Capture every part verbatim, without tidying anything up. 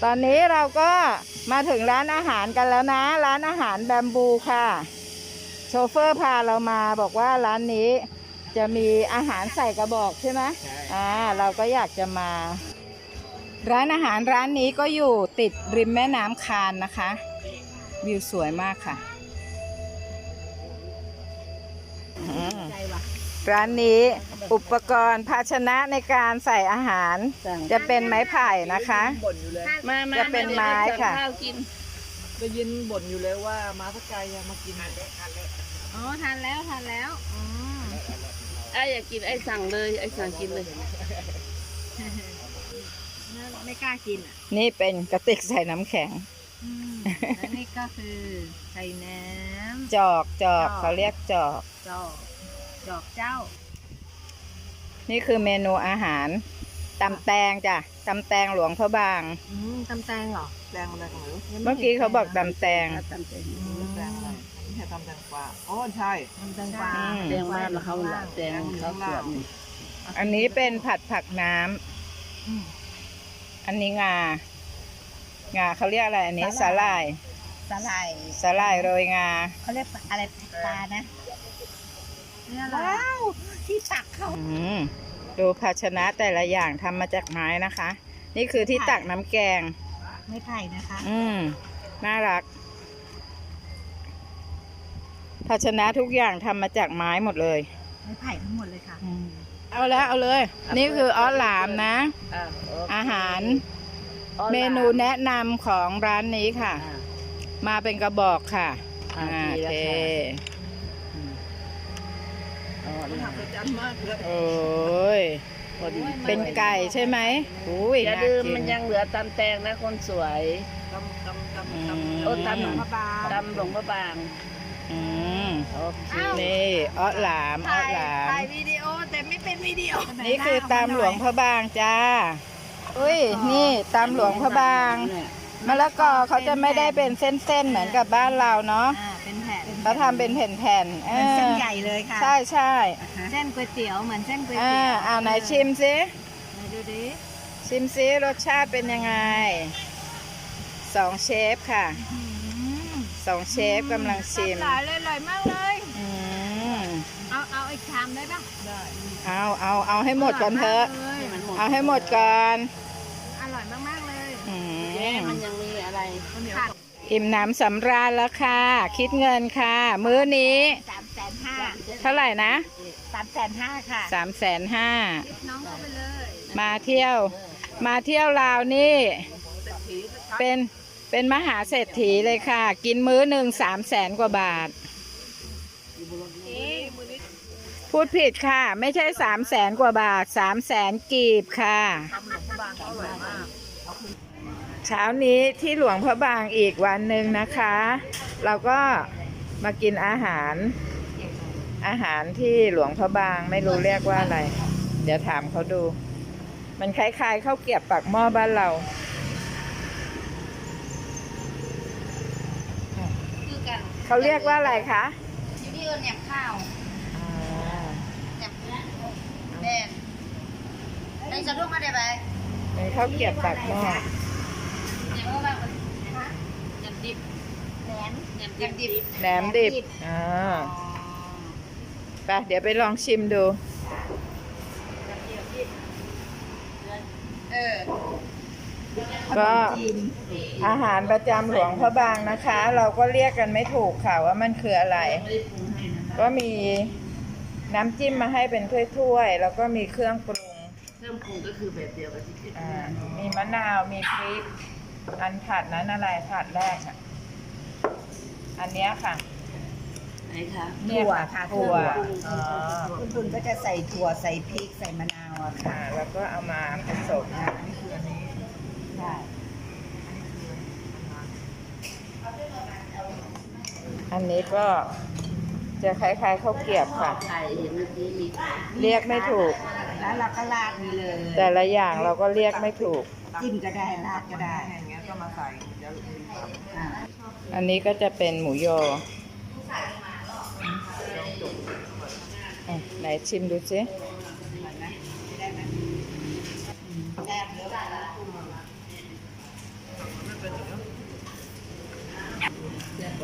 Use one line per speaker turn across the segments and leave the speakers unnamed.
ตอนนี้เราก็มาถึงร้านอาหารกันแล้วนะร้านอาหารแบมบูค่ะโชเฟอร์พาเรามาบอกว่าร้านนี้จะมีอาหารใส่กระบอกใช่ไหมอ่าเราก็อยากจะมาร้านอาหารร้านนี้ก็อยู่ติดริมแม่น้ำคานนะคะวิวสวยมากค่ะร้านนี้อุปกรณ์ภาชนะในการใส่อาหารจะเป็นไม้ไผ่นะคะจะเป็นไม้ค่ะ
ได้ยินบ่นอยู่เลยว่ามาสักไกลมากิน
อ๋อทานแล้วทานแล้วอ๋อ
ไอ้อยากกินไอ้สั่งเลยไอ้สั่งกินเลย
ไม่กล้ากินอ่ะ
นี่เป็นกระติกใส่น้ำแข็ง
และนี่ก็คือใส่น้ำ
จอกจอกเขาเรียกจอก
จอกจอกเจ้า
นี่คือเมนูอาหารตำแตงจ้ะตำแตงหลวงพระบาง
อืมตำแตงเหรอ
แตงอะไรกันหรือ
เมื่อกี้เขาบอกตำแตง
ตำแตงแตงอะไรไม่ใช่ตำแตงกวาอ๋อใช่
ตำแตงกวา
แตงบ้านเขาแหละแตงเขาสวน
อันนี้เป็นผัดผักน้ำอันนี้งางาเขาเรียกอะไรอันนี้สาหร่าย
สาหร่าย
สาหร่ายโรยงา
เขาเรียกอะไรปลานะว้าวที่ตักเขา
ดูภาชนะแต่ละอย่างทำมาจากไม้นะคะ นี่คือที่ตักน้ำแกง
ไม่ไผ่นะคะ
อืมน่ารักภาชนะทุกอย่างทำมาจากไม้หมดเลย
ไม่ไผ่ทั้งหมดเลยค่ะ
เอาแล้วเอาเลยนี่คือออสหลามนะอาหารเมนูแนะนำของร้านนี้ค่ะมาเป็นกระบอกค่ะโอเคโอ้ยเป็นไก่ใช่ไหมอุ้ย
อย่าลืมมันยังเหลือตำแตงนะคนสวย
ตำตำตำต
ำโอ้ตำหลวงพระบางตำหลวงพระบาง
อืมนี่ออสหลามออสหลาม
ถ่ายวิดีโอแต่ไม่เป็นวิดีโอ
นี่คือตำหลวงพระบางจ้าอุ้ยนี่ตำหลวงพระบางมะละกอเขาจะไม่ได้เป็นเส้นๆเหมือนกับบ้านเราเนาะ
เป็นแผ่น
เขาทำเป็นแผ่นๆ
เส้นใหญ่เลยค่ะ
ใช่ใช่
เส้นก๋วยเตี๋ยวเหมือนเส้นก๋วยเตี๋ยว
อ่าไหนชิมซิ
ดูดิ
ชิมซิรสชาติเป็นยังไงสองเชฟค่ะสองเชฟกำลังชิม
อร่อยเลยอร่อยมากเลยเอาเอาอีกชามได้ปะ
ได้เอาเอาเอาให้หมดก่อนเถอะเอาให้หมดก่อน
อร่อยมากๆเลย
มันยังมีอะไร
อิ่มหนำสำราญแล้วค่ะคิดเงินค่ะมื้อนี้
สามแสนห้า
เท่าไหร่นะ
สามแสนห้าค่ะ
สามแสนห้า
น้องเข้าไปเลย
มาเที่ยวมาเที่ยวลาวนี่เป็นเป็นมหาเศรษฐีเลยค่ะกินมื้อหนึ่งสามแสนกว่าบาทพูดผิดค่ะไม่ใช่สามแสนกว่าบาทสามแสนกีบค่ะเช้านี้ที่หลวงพระบางอีกวันหนึ่งนะคะเราก็มากินอาหารอาหารที่หลวงพระบางไม่รู้เรียกว่าอะไรเดี๋ยวถามเขาดูมันคล้ายๆข้าวเกรี๊ยวปากหม้อบ้านเราเขาเรียกว่าอะไรคะ
ที่นี่เอิญแหนมข้าวแหนมแดงในสะดุ้งมาได้ไหม
เป็นข้าวเกรี๊ยวปากหม้อ
แหนมว่าแหนมดิบแหนมแหนมดิบ
แหนมดิบอ่าไปเดี๋ยวไปลองชิมดู
เออ
ก็อาหารประจำหลวงพระบางนะคะเราก็เรียกกันไม่ถูกค่ะว่ามันคืออะไรก็มีน้ำจิ้มมาให้เป็นถ้วยๆแล้วก็มีเครื่องปรุง
เครื่องปรุงก็คือแบบเดียวกับที่คิด
มีมะนาวมีพริกอันผัดนั้นอะไรผัดแรกอ่ะอันนี้ค่ะ
ไหนคะ
ถั่วค่ะถั่ว
คุณคุณก็จะใส่ถั่วใส่พริกใส่มะนาวอะค่ะ
แล้วก็เอามาผสม
นี่คืออันนี้
ใช่
อันนี้ก็จะคล้ายๆข้าวเกรี๊ยวค่ะเรียกไม่ถูก
แล้วเราก็ราดนี่เลย
แต่ละอย่างเราก็เรียกไม่ถูก
จิ้มก็ได้ราดก็ได้
อย่างเงี้ยก็มาใส่
อันนี้ก็จะเป็นหมูยอไหนชิมดูสิ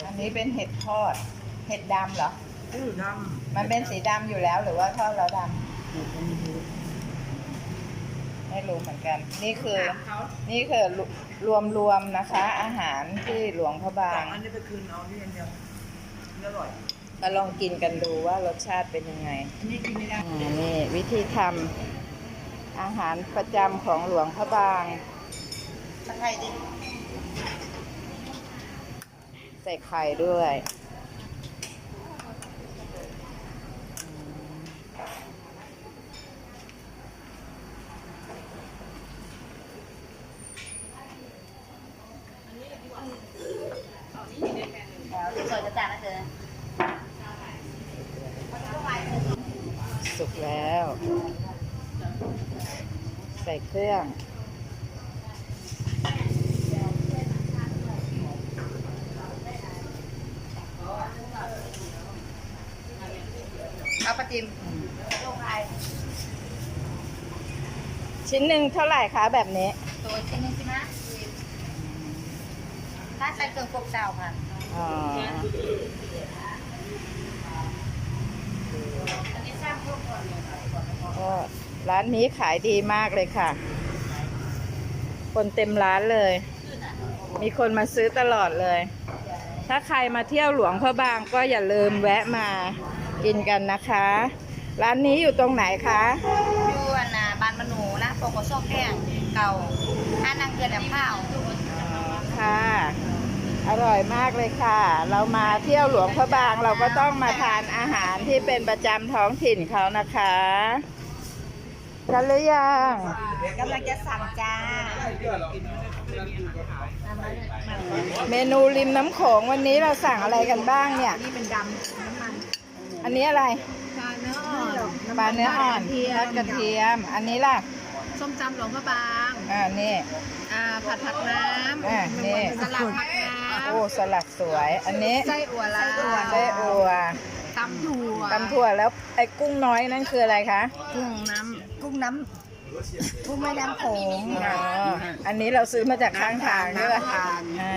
อันนี้เป็นเห็ดทอด เห็ดดำเหรอ
ชื่อด
มันเป็นสีดำอยู่แล้วหรือว่าทอดแล้วดำไม่รู้เหมือนกัน นี่คือ นี่คือรวมรวมๆนะคะ อาหารที่หลวงพระบา
ำ
ง
อันนี้ไปคืนเอาที่อันเดียวอร่อย
มาลองกินกันดูว่ารสชาติเป็นยังไง
อันนี้กินไม่ได้
อ่านี่วิธีทำอาหารประจำของหลวงพระบาง
ตะไคร้ดิ
ใส่ไข่ด้วย
แล้วสวยจะจานนะเธอ
สุกแล้ว ใส่เครื่อง
เอาปลาจิมลงไป
ชิ้นหนึ่งเท่าไหร่คะแบบนี้
ตัวชิ้นนึงใช่ไหมถ้าใส่เครื่องปรุงเจ้าค่ะ
อ๋อ
อันนี้สร้างพวกก่อน
ก็ร้านนี้ขายดีมากเลยค่ะ คนเต็มร้านเลย มีคนมาซื้อตลอดเลย ถ้าใครมาเที่ยวหลวงพระบางก็อย่าลืมแวะมากินกันนะคะ ร้านนี้อยู่ตรงไหนคะ
อยู่อันน่ะบ้านมนูนะโปกโกโซแก้งเก่าห้านังเกลือแหลมข้าว
อ๋อค่ะ อร่อยมากเลยค่ะ เรามาเที่ยวหลวงพระบางเราก็ต้องมาทานอาหารที่เป็นประจำท้องถิ่นเขานะคะกันหรือยัง
กำลังจะสั่งจ้า
เมนูริมน้ำโขงวันนี้เราสั่งอะไรกันบ้างเนี่ย
นี่เป็นดำน้ำมัน
อันนี้อะไร
ปลาเนื้ออ่อน
ปลาเนื้ออ่อนทอดกระเทียม อันนี้ล่ะ
ส้มตำหลวงพระบาง
อ่านี่
อ่าผัดผักน้
อ่านี่
ำสลัดผักน้
โอ้สลัดสวย อันนี้
ำไส้อั่วลาว
ไส้อัว
ตำถั่ว
ตำถั่วแล้วไอ้กุ้งน้อยนั่นคืออะไรคะ
กุ้งน้ำกุ้งน้ำกุ้งแม่น้ำโขง
อ๋ออันนี้เราซื้อมาจากข้างทางใช่ไหมอ่า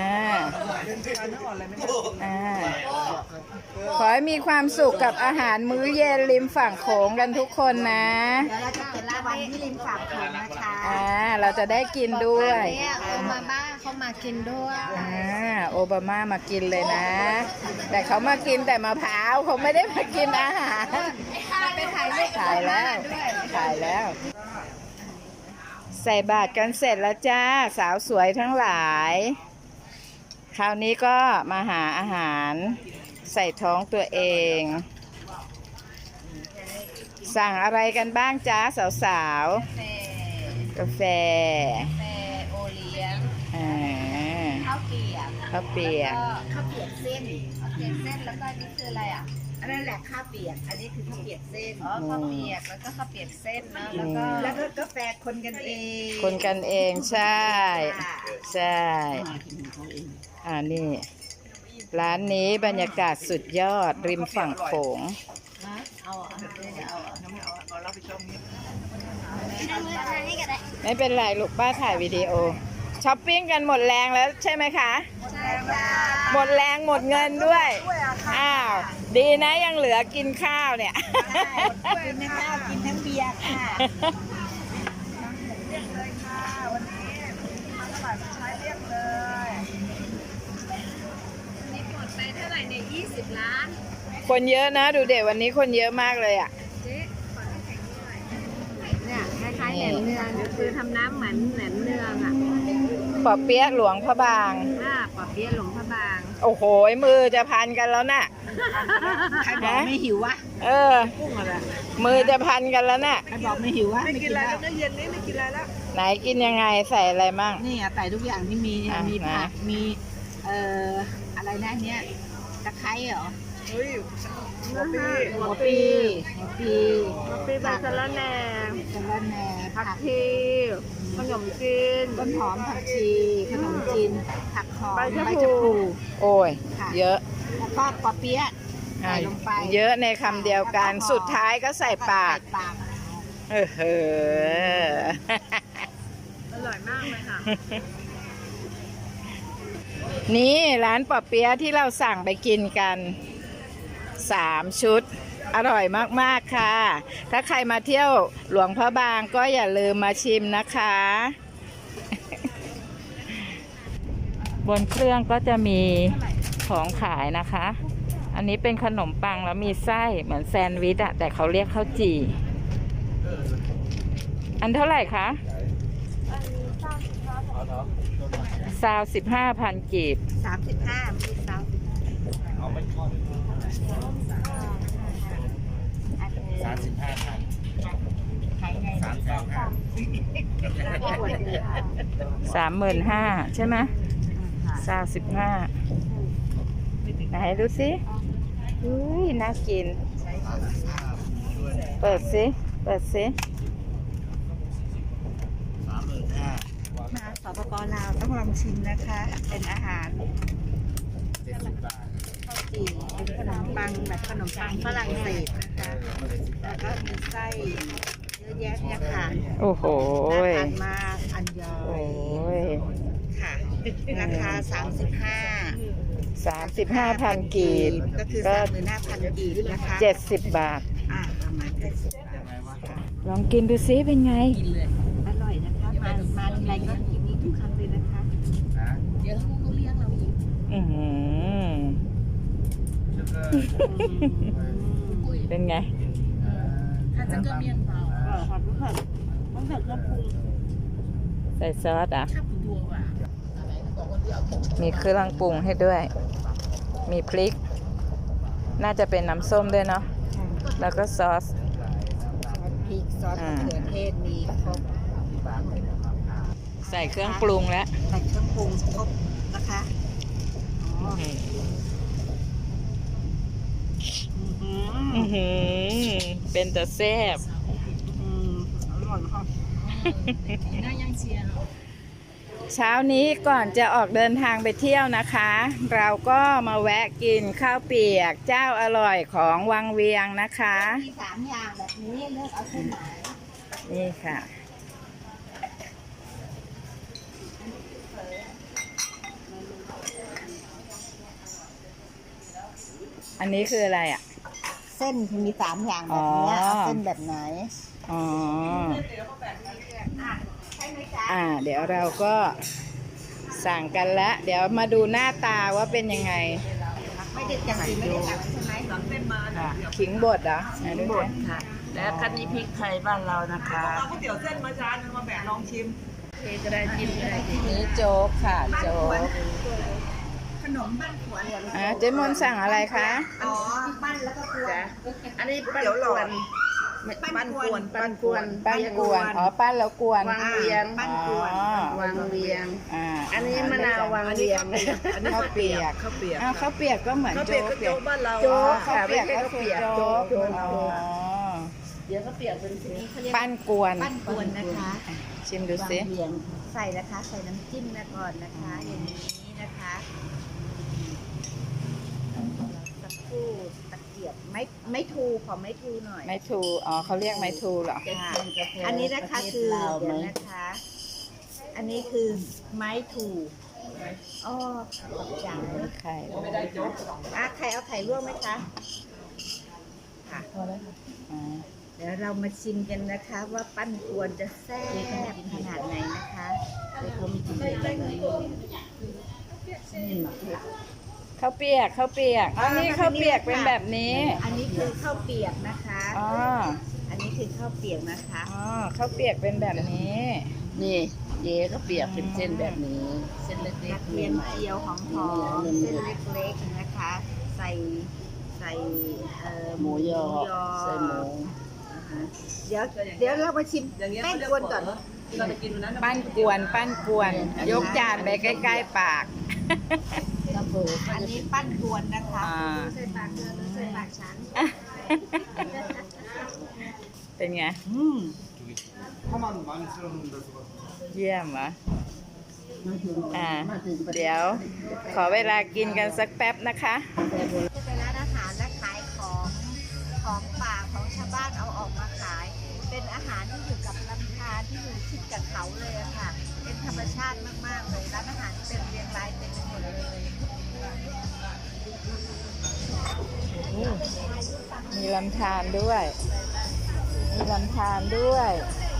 อ่าขอให้มีความสุขกับอาหารมื้อเย็นริมฝั่งโขงกันทุกคนนะ
เดี๋ยวเราจะเปิดร้านวันที่ริมฝั่งโขงนะคะ
อ่า เราจะได้กินด้วย
เนี่ยโอมาบ้าเขามากินด้วย
อ่า โอบามามากินเลยนะ แต่เขามากินแต่มะพร้าวเขาไม่ได้มากินอาหาร
ไปถ่ายรูป
ถ่ายแล้ว ถ่ายแล้ว ใส่บาตรกันเสร็จแล้วจ้า สาวสวยทั้งหลาย คราวนี้ก็มาหาอาหารใส่ท้องตัวเอง สั่งอะไรกันบ้างจ้าสาวๆ กาแฟ
แฟโอเลี้ยง
อ่า
ข้าวเปียก
ข้าวเปียก
แล้วข้าวเปียกเส้นข้าวเปียกเส้นแล้วก็อันนี่คืออะไรอ่ะอันนั้นแหละข้าวเปียก อันนี้คือข้าวเปียกเส้นอ๋อข้าวเปียกแล้วก็ข้าวเปียกเส้นเนอะแล้วก็แล้วก็กาแฟคนกันเอง
คนกันเองใช่ ใช่ อ่านี่ ร้านนี้บรรยากาศสุดยอดริมฝั่งโขง
เอาอ่ะเดี๋ยวเอาอ่ะ
เอาเราไปชมนี้
ไม่เป็นไรลูกป้าถ่ายวิดีโอช้อปปิ้งกันหมดแรงแล้วใช่ไหมคะ
ใช่ค่ะ
หมดแรงหมดเงินด้วย อ้าว ดีนะยังเหลือกินข้าวเนี่ย
กินทั้งข้าวกินทั้งเบียร์ค่ะนี่หมดไปเท่าไหร่เนี่ยยี่สิบล้าน
คนเยอะนะดูเด็กวันนี้คนเยอะมากเลยอ่ะ
เจ๊ขอน้ำแข็งหน่อยเนี่ยคล้ายๆแหนมเนืองคือทำน้ำเหมือนแหนมเนืองอ่ะ
ปอเปี๊ยะหลวงพระบาง
อ่าปอเปี๊ยะหลวงพระบาง
โอ้โหมือจะพันกันแล้วน่ะ
ใครบอกไม่หิววะ
เออ
กุ้งอะไร
มือจะพันกันแล้วน่ะ
ใครบอกไม่หิววะ
ไม่กินอะไรแล้วนะเย็นนี้ไม่กินอะไรแล้ว
ไหนกินยังไงใส่อะไรมั่ง
นี่อ่ะใส่ทุกอย่างที่มี
อ่ะ
มีผัก
นะ
มีเอ่ออะไรนะอันเนี้ยตะไคร้เหรอ
เฮ้ยหัวปี
หัวปีหัวปี
หัวปีใบสะระแหน่
สะระแหน่ผัก
ชีขนมจีน
ต้นหอมผักชีขนมจีนผักหอม
ใบชะ
ใบ
พลู
ชะพลู
โอ้ย
ค่ะ
เยอะ
แล้วก็ปอเปี๊ยะ ใส่ลงไป
เยอะในคำเดียวกัน สุดท้ายก็ใส่ปาก
ใส่ปาก
เออเออ
อร่อยมากเลยค่ะ
นี่ร้านปอเปี๊ยะที่เราสั่งไปกินกันสามชุด อร่อยมากๆค่ะ ถ้าใครมาเที่ยวหลวงพระบางก็อย่าลืมมาชิมนะคะ บนเครื่องก็จะมีของขายนะคะ อันนี้เป็นขนมปังแล้วมีไส้เหมือนแซนด์วิชอะแต่เขาเรียกข้าวจี่ อันเท่าไหร่คะซาวสิบห้าพันกีบ
สามสิบห้ามีสามสิบ
สามสิบห้าพัน
ขายไง
สามเก้าห้า
สามหมื่นห้าใช่ไหมซาวสิบห้าไหนดูสิอุ้ยน่ากิน เปิดสิเปิดสิ
สามหมื่นห้า
มาสปปลาวต้องลองชิมนะคะ เป็นอาหาร
เจ็ดสิบบาท
ข้าวจี่เป็นขนมปังแบบขนมปังฝรั่งเศสนะคะ แล้วก็มีไส้เยอะแยะเนี่ยค่ะ
โอ้โห
น่าทานมากอันยอ
โอ้
ย
ย
ค่ะ ราคา สามสิบห้า
สามสิบห้าพันกีบ
ก็คือ
ก็
สามหมื่นห้าพันกีบนะคะ
เจ็ดสิบบาท
อ่าประมาณเจ็ดสิบบาทค่ะ
ลองกินดูซิเป็นไง
อร่อยนะคะ มามาทีไรก็กินนี้ทุกครั้งเลยนะคะ
นะ
เดี๋ยวเขาเลี้ยงเราอีก
อือหือเป็นไง
ถ้าจะเกลือเมียนเปล่าก็ขอบคุณค่ะต้องใส่เครื่องปรุง
ใส่ซอสอ่ะ
ชอบดูว่ะ
มีเครื่องปรุงให้ด้วย มีพริก น่าจะเป็นน้ำส้มด้วยเนาะ แล้วก็ซอส
ซอสพริกซอสมะเขือเทศมีครบ
ใส่เครื่องปรุงแล้ว
ใส่เครื่องปรุงครบนะคะอ๋อ
อื้อหือเป็นแต่แซ่บ
อืมอร่อยค่ะน่ายังเชียร์
เช้านี้ก่อนจะออกเดินทางไปเที่ยวนะคะ เราก็มาแวะกินข้าวเปียกเจ้าอร่อยของวังเวียงนะคะ
มีสามอย่างแบบนี้เลือกเอาเส้นไหน
นี่ค่ะ อันนี้คืออะไรอ่ะ
เส้นมีสามอย่างแบบนี้
อ๋อ
เอาเส้นแบบไหน
อ๋อ
ใช่ไหมจ๊ะ
อ่า เดี๋ยวเราก็สั่งกันละเดี๋ยวมาดูหน้าตาว่าเป็นยังไง
ไม่ได้จังสีไม่ได้สั่งใช่ไหมสองเส้นมา
อ่ะขิงบดเหรอไหนดูสิ
ค่ะ และคันนี้พริกไทยบ้านเรานะคะ
เอาก๋วยเตี๋ยวเส้นมาจานนึงมาแบ่งลองชิม
เทก็ได้จิ้มก็ได้จิ้ม
นี่โจ๊กค่ะ โจ๊ก
ขนมบ้านขวน
อ่ะเจ๊มนสั่งอะไรคะ
อ๋อปั้นแล้วก็กวน
อันนี้ปั้นกวน
ปั้นกวน
ปั้นกวน
ปั้นกวน อ๋อ ปั้นแล้วกวน
วางเวียง
ปั้นกวน
อ๋อ
วางเวียง
อ่า
อันนี้มะนาววางเวียง
ข้าวเปียก
ข้าวเปียก
อ้าวข้าวเปียกก็เหมือน
ข้าวเปี
โจ๊
ยก
ก
ก็โจ๊กบ้านเรา
โจ๊ก
ค่ะ
ข้าวเปียกก็
ไม่
คือ
ใช่ข้าวเปียก
โจ๊ก
โจ๊ก
อ๋อ
เดี๋ยวก็เปียกเป็นสี
ปั้นกวน
ปั้นกวนนะคะ
ชิมดูสิ
วางเวียงใส่นะคะ ใส่น้ำจิ้มนะก่อนนะคะ อย่างนี้นะคะสักครู่ตะเกียบไม่ไม่ทูขอไม่ทูหน่อย
ไม้ทู อ๋อเขาเรียกไม้ทูเหรอ
ค่ะอันนี้นะคะคือเดี๋ยวนะคะ อันนี้คือไม้ถูอ๋อขอบใจ
ไข่
อ่ะใครเอาไข่ลวกไหมคะค่ะ
อ่า
เดี๋ยวเรามาชิมกันนะคะ ว่าปั้นกวนจะแซ่บขนาดไหนนะคะเดี๋ยวเขามีจิ้มเลยนี่
ข้าวเปียกข้าวเปียกอ๋อนี่ข้าวเปียกเป็นแบบนี้
อันนี้คือข้าวเปียกนะคะ
อ๋อ
อันนี้คือข้าวเปียกนะคะ
อ๋อข้าวเปียกเป็นแบบนี้
นี่เย้ก็เปียกเป็นเส้นแบบนี้ เส้นเล็
ก
ก
ระ
ๆ
เทียม
ใหม่
เจียวหอมหอมเส้นเล็กๆนะคะ ใส่ใส่เอ่อ
หมูยอใส่หมู
นะคะเดี๋ยวเดี๋ยวเรามาชิม
อย่างเงี้ย
แป้ง
เขาเรีย
กวนก่อน
ที่เราจะกินวันนั้น
ปั้นกวน ปั้นกวน ยกจานไปใกล้ๆปาก
กระเบิด
อันนี้ปั้นกวนนะคะ
อ่า
ใส่ปากเธอหรือใส่ปากฉัน
เป็นไง
อืม
เยี่ยมเหรอ
มาถึง
อ่า
มาถึงประ
เดี๋ยว ขอเวลากินกันสักแป๊บนะคะ
จะเป็นร้านอาหารและขายของของป่าของชาวบ้านเอาออกมาขาย เป็นอาหารที่อยู่กับลำธารที่อยู่ชิดกับเขาเลยอะค่ะ เป็นธรรมชาติมากๆเลยร้านอาหารเป็นเรียงรายเต็มไปหมดเลย
ลำธารด้วย มีลำธารด้วย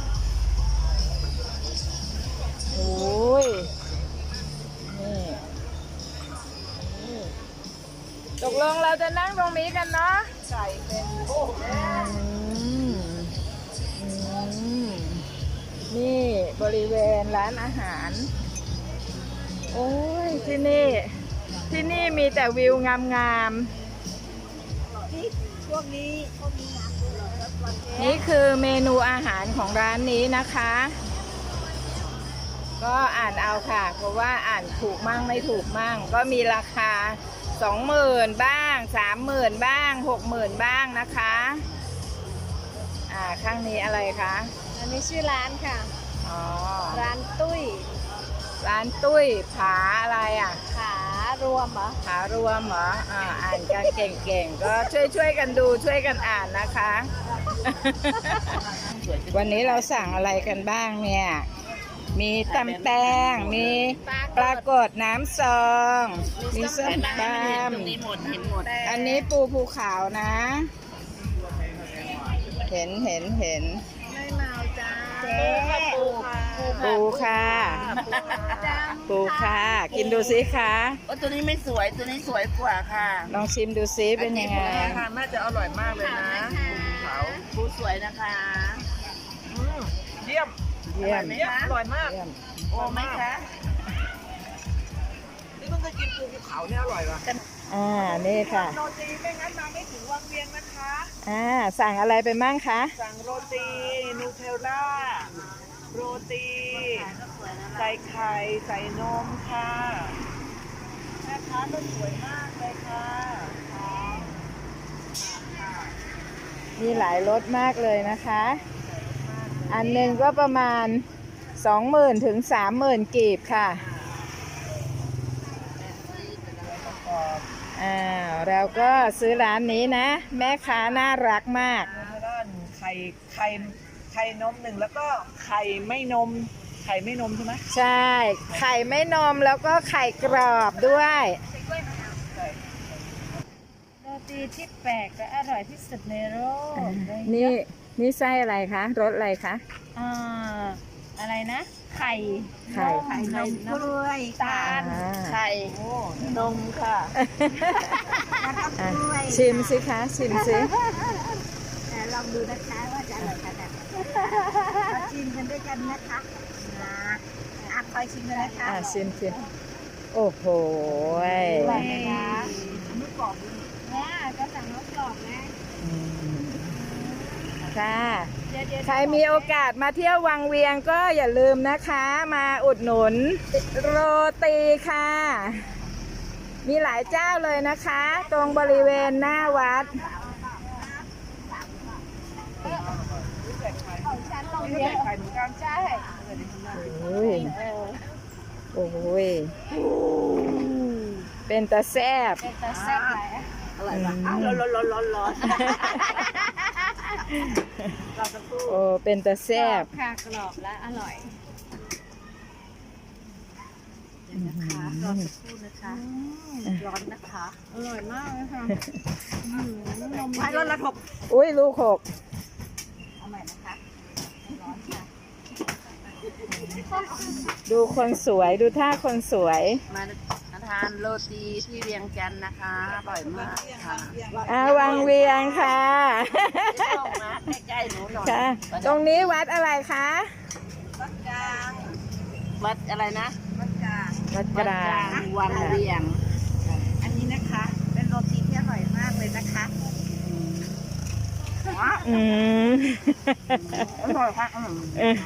โอ้ยนี่นี่ตกลงเราจะนั่งตรงนี้กันเนาะไก่เป็นโอ้นี่บริเวณร้านอาหารโอ้ยที่นี่ที่นี่มีแต่วิวงามๆ
ช่วงนี้ช่วงนี้น้ำเยอะแล้ววันนี้
นี่คือเมนูอาหารของร้านนี้นะคะ ก็อ่านเอาค่ะ เพราะว่าอ่านถูกมั่งไม่ถูกมั่ง ก็มีราคาสองหมื่นบ้างสามหมื่นบ้างหกหมื่นบ้างนะคะอ่าข้างนี้อะไรคะ
อันนี้ชื่อร้านค่ะ
อ๋อ
ร้านตุ้ย
ร้านตุ้ยผาอะไรอ่ะ
ขารวมเหรอ
ผารวมเหรออ่าอ่านกันเก่งๆก็ช่วยช่วยๆกันดูช่วยกันอ่านนะคะ วันนี้เราสั่งอะไรกันบ้างเนี่ย มีตำแตง มีปลากดน้ำซอง มีส้มต
ตรงนี้หมดเห็นหมด
ำอันนี้ปูภูขาวนะ เห็นเห็นเห็น
ไม่เมาจ้า
เจ๊ ปูค่ะ ปูค่ะ กินดูสิคะ
โอ้ตัวนี้ไม่สวยตัวนี้สวยกว่าค่ะ
ลองชิมดูซิเป็นยังไง
ค่ะน่าจะอร่อยมากเลยนะเขา
ปูสวยนะคะ
อืมเยี่ยม
เยี่ยม
เยี่ยมอร่อยมาก
เยี่ยม
โอ้ไหมคะ
นี่เพิ่งเคยกินปูภูเขาเนี่ยอร่อยว่ะ
อ่า นี่ค่ะ
โรตีไม่งั้นมาไม่ถึงวังเวียงนะคะ
อ่า สั่งอะไรไปมั่งคะ
สั่งโรตีนูเทลล่าโรตีใส่ไข่ใส่นมค่ะแม่ค้าก็สวยมากเลยค่ะ
มีหลายรสมากเลยนะคะ อันหนึ่งก็ประมาณสองหมื่นถึงสามหมื่นกีบค่ะอ่าเราก็ซื้อร้านนี้นะ แม่ค้าน่ารักมาก
ด้านไข่ไข่ไข่นมหนึ่งแล้วก็ไข่ไม่นม ไข่ไม่นมใช่ไหม
ใช่ ไข่ไม่นมแล้วก็ไข่กรอบด้วย
โรตีที่แปลกและอร่อยที่สุดในโลก
นี่นี่ไส้อะไรคะรสอะไรคะ
อ่าอะไรนะ ไข่
ไข่
ไข่นมกล้วยตาล
อ่า
ไข่นมค่ะ แล้วก็กล้วย
ชิมสิคะชิมสิ
แต่ลองดูนะคะว่าจะอร่อยขนาดไหนมาชิมกันด้วยกันนะคะนะอ่ะคอยชิมกันนะคะ
อ่าชิมชิมโอ้โห
อร่อยไหมคะไม่กรอบแม่ก็สั่งรสกรอบนะ
อืมค่ะ
เดี๋ยวเดี๋ยว
ใครมีโอกาสมาเที่ยววังเวียงก็อย่าลืมนะคะ มาอุดหนุนโรตีค่ะ มีหลายเจ้าเลยนะคะ ตรงบริเวณหน้าวัด
ของฉันลองเนี้ย
ไข่เหมือนกัน
ใช่
โอ้ยโอ้ยเป็นตาแซบ
เป็นตาแซ่บไหล
อร่อยปะอ้าวร้อนร้อนร้อนร้อน
เราจะพูด
โอ้เป็นตาแซบ
ค่ะกรอบและอร่อยนะคะรอสักครู่นะคะร้อนนะคะ อร่อยมากเลยค่ะนม
ไม่ร้อนระทบ
อุ้ยลูกหก
เอาใหม่นะคะร้อนค่ะ
ดูคนสวยดูท่าคนสวย
มาทานโรตีที่เวียงจันทร์นะคะอร่อยมากค่ะ
อาวังเวียงค่ะ
เข้ามาใกล้ๆหนูหน่อย
ค่ะ ตรงนี้วัดอะไรคะ
วัดกลาง
วัดอะไรนะ
วัดกลาง
วัดก
วัด
ลาก
ลาง งวังเวียง
อันนี้นะคะ เป็นโรตีที่อร่อยมากเลยนะคะ
อืม
อร่อยค่ะอืม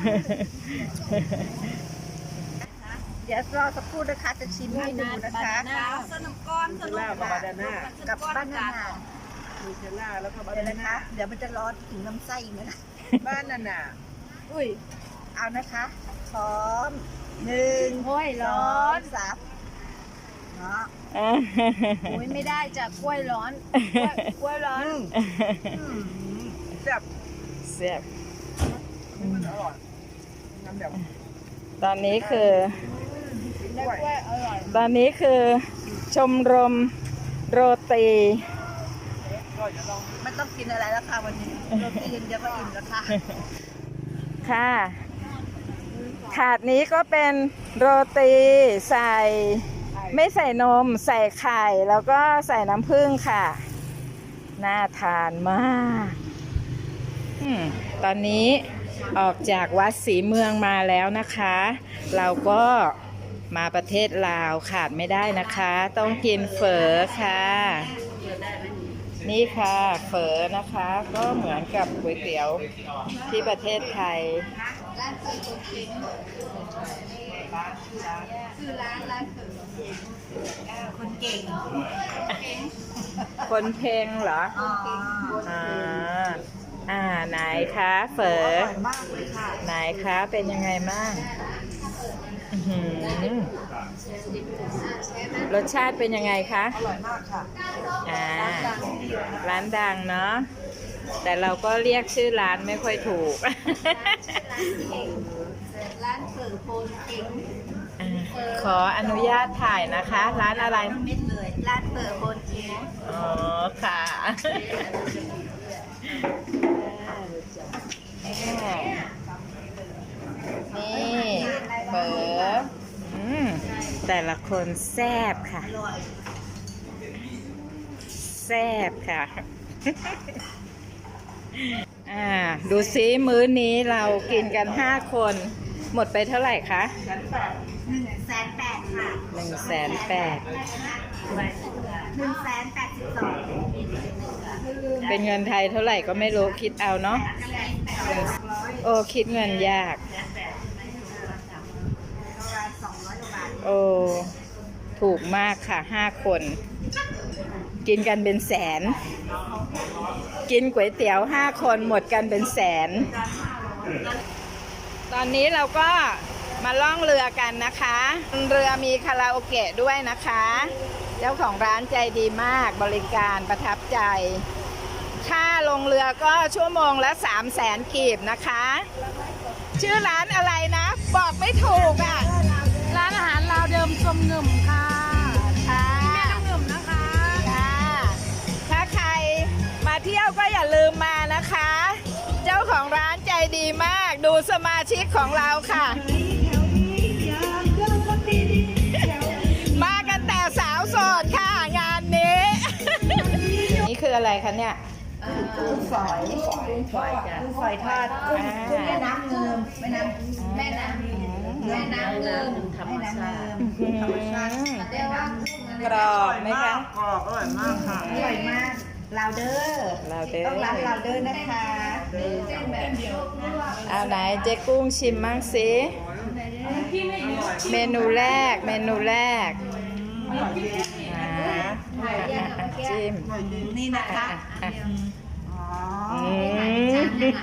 เดี๋ยวรอสักครู่นะคะจะชิมให้ดูนะคะสนุกก้อนสนุก
ล่ากับบานาน่า
กับบ้านนา
นูเทลล่าแล้วก็บา
เดี๋ยว
นา
นะ
น่า
คะ เดี๋ยวมันจะร้อนถึงลำไส้อีกนะคะ
บ้านนาน่า
อุ้ย เอานะคะพร้อมหนึ่งโอ้ยร้อนสามเนาะโอ้ยไม่ได้จ้ะกล้วยร้อนกล้วยกล้วยร้อน
แซ่บ
เสียบ
มันอร่อยน้ำแบบ
ตอนนี้คือ
แล้วกล้วยอร่อย
ตอนนี้คือชมรมโรตี
ก็เดี๋ยวลอง
ไม่ต้องกินอะไรแล้วค่ะวันนี้โรตีเดียวก็อิ่มแล้วค่ะ
ค่ะ ถาดนี้ก็เป็นโรตีใส่ไม่ใส่นมใส่ไข่แล้วก็ใส่น้ำผึ้งค่ะ น่าทานมากอมตอนนี้ออกจากวัดศรีเมืองมาแล้วนะคะ เราก็มาประเทศลาวขาดไม่ได้นะคะ ต้องกินเฝอค่ะ นี่ค่ะเฝอนะคะก็เหมือนกับก๋วยเตี๋ยวที่ประเทศไทย
ร้านเปิดคนเก่งคือร้านร้านเปิดคนเก่ง
คนเพลงเหรอ
อ๋อ
อ่าอ่าไหนคะเฝอ
อร่อยมากเลยค่ะ
ไหนคะเป็นยังไงบ้างอื้อหือรสชาติเป็นยังไงคะ
อร่อยมากค่ะ
อ่าร้านดังเนาะแต่เราก็เรียกชื่อร้านไม่ค่อยถูก
ร้านเปิดโคนเก่ง
อ่าขออนุญาตถ่ายนะคะ ร้านอะไร
เม็ดเลยร้านเปิดโคนเก่ง
อ๋อค่ะ นี่เปิดอืมแต่ละคนแซ่บค่ะ
อร่อย
แซ่บค่ะ อ่า ดูซิมื้อนี้เรากินกันห้าคน หมดไปเท่าไหร่คะ
หนึ่งแสนแปดค่ะ
หนึ่งแสนแปด
หนึ่งแสนแปดสิบสอง
เป็นเงินไทยเท่าไหร่ก็ไม่รู้คิดเอาเนาะโอ้คิดเงินยาก
สองร้อยกว่าบาท
โอ้ถูกมากค่ะห้าคน กินกันเป็นแสน กินก๋วยเตี๋ยวห้าคนหมดกันเป็นแสน ตอนนี้เราก็มาล่องเรือกันนะคะ เรือมีคาราโอเกะด้วยนะคะ เจ้าของร้านใจดีมากบริการประทับใจ ค่าลงเรือก็ชั่วโมงละสามแสนกีบนะคะ ชื่อร้านอะไรนะ บอกไม่ถูกอ่ะ
ร้านอาหารลาวเดิมชมหนึ่มค่ะ
ค่ะ
แม่น้ำหนึ่มนะคะ
ค่ะถ้าใครมาเที่ยวก็อย่าลืมมานะคะ เจ้าของร้านใจดีมากดูสมาชิกของเราค่ะ มากันแต่สาวโสดค่ะงานนี้ นี่คืออะไรคะเนี่ย
กุ้งฝอยกุ้งฝอยจ้ะกุ้งฝอยทอดกุ้งกุ้งแม่น้ำเงิมแม่น้ำแม่น้ำแม่น้ำเงิมธรรมชาติธรรมชาติเรียกว่าก
รอบไหมคะ
กรอบอร่อยมากค่ะ
อร่อยมากลาวเดอร์
ลาวเดอร์
ต้องร้านลาวเดอร์นะคะ
เอาไหนเจ๊กุ้งชิมมั่งสิเมนูแรกเมนูแรกอ่าจิ้ม
นี่นะคะ
อ่ะ
อ๋อ
อืม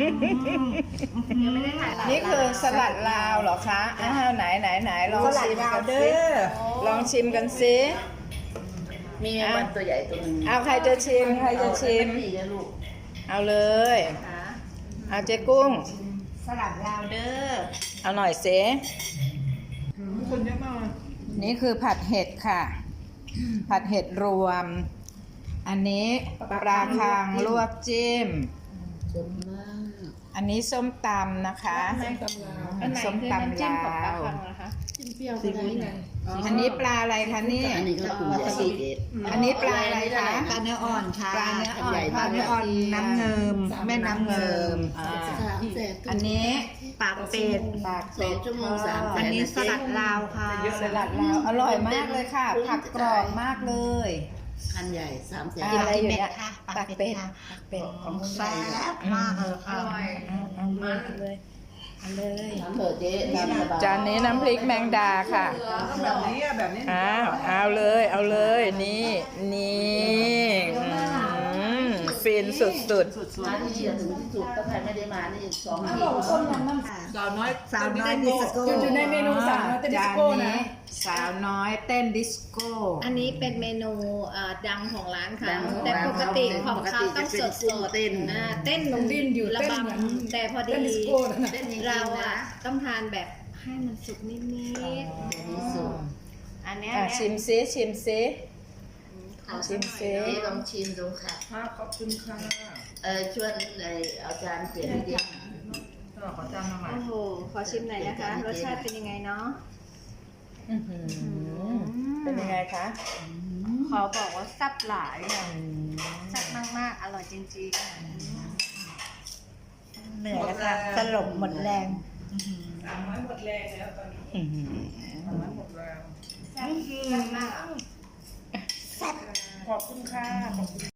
นี่คือสลัดลาวเหรอคะอ้าวไหนไหนไหนลอง
สลัด
ชิม
ลาว
กัน
เด
สิ
อร์
ลองชิมกันสิ
มีแมงวันตัวใหญ่ตัวหนึง
เอาใครจะชิมใครจะชิม
ดีนะลูก
เอาเลยเอาเจ๊กุ้ง
สลัดลาวเดอร์
เอาหน่อยสิ
คนเยอะมาก
นี่คือผัดเห็ดค่ะ ผัดเห็ดรวม อันนี้ปลาคางลวกจิ้ม
สมมาก
อันนี้ส้มตำนะคะส้มตำลาว
จิ้มเปรี้ยวก็ได้ไง
อันนี้ปลาอะไรคะนี่
อันนี้ก็คือวาซาบิเด็ด
อันนี้ปลาอะไรคะ
ปลาเนื้ออ่อนค่ะ
ปลาเนื้ออ่อน
ปลาเนื้ออ่อนน้ำเงิมแม่น้ำเงิม
อ่า
สามแสน
อันนี้
ปากเป็ด
ปาก
สองชั่วโมงสามแสน
อันนี้สลัดลาวค่ะ
สลัดลาวอร่อยมากเลยค่ะ ผักกรอบมากเลย
อันใหญ่สามแสน
อะไรอยู่เนี่ย
ค่ะ
ปากเป็ดปากเป็ดของ
แซ่บมากเลยค่ะ
เอามาเลยเอาเลย
ทำเถอะเจ๊ตามสบาย
จานนี้น้ำพริกแมงดาค่ะ
แบบนี้อะแบบนี้
อ้าวเอาเลยเอาเลยนี่นี่อืมฟินสุด
มาที่เชียร์ถึงที่สุดถ้าใครไม่ได้มานี่สองที
สาวน้อย
สาวน้อยดิสโก้
ๆอยู่ในเมนูสาวน้อยเต้นดิสโก้นะสาวน้อยเต้นดิสโก้
อันนี้เป็นเมนูเอ่อดังของร้านค่ะ
ดังของ
แต่
ร้าน
ปกติ
เขา
ของเขาต้องสดสด
เต้น
อ่าเต้นลงดินอยู่ระบำแต่พอดีเราอ่ะต้องทานแบบให้มันสุกนิด
ที่สุด
ๆอันเนี้ย
อ่ะชิมซิชิมซิ
ข
ชิมซิ
เจ๊ลองชิมดูค่ะ
ค่ะขอบคุณค่ะ
เออชวนเออเอาจารย์เปลี่ยนให้ดิ
ขอจานมาใหม่
โอ้โห ขอชิมหน่อยนะคะ รสชาติเป็นยังไงเนาะ
อื้อหือเป็นยังไงคะ
ขอบอกว่าแซ่บหลายค่ะแซ่บมากๆ อร่อยจริงๆ
เหนื่อยแล้วค่ะสลบหมดแรง
สามร้อยหมดแรงแล้วตอนนี้
อื้อหือ
สามร้อยหมดแรง
แซ่บมาก
ขอบคุณค่ะขอบคุณ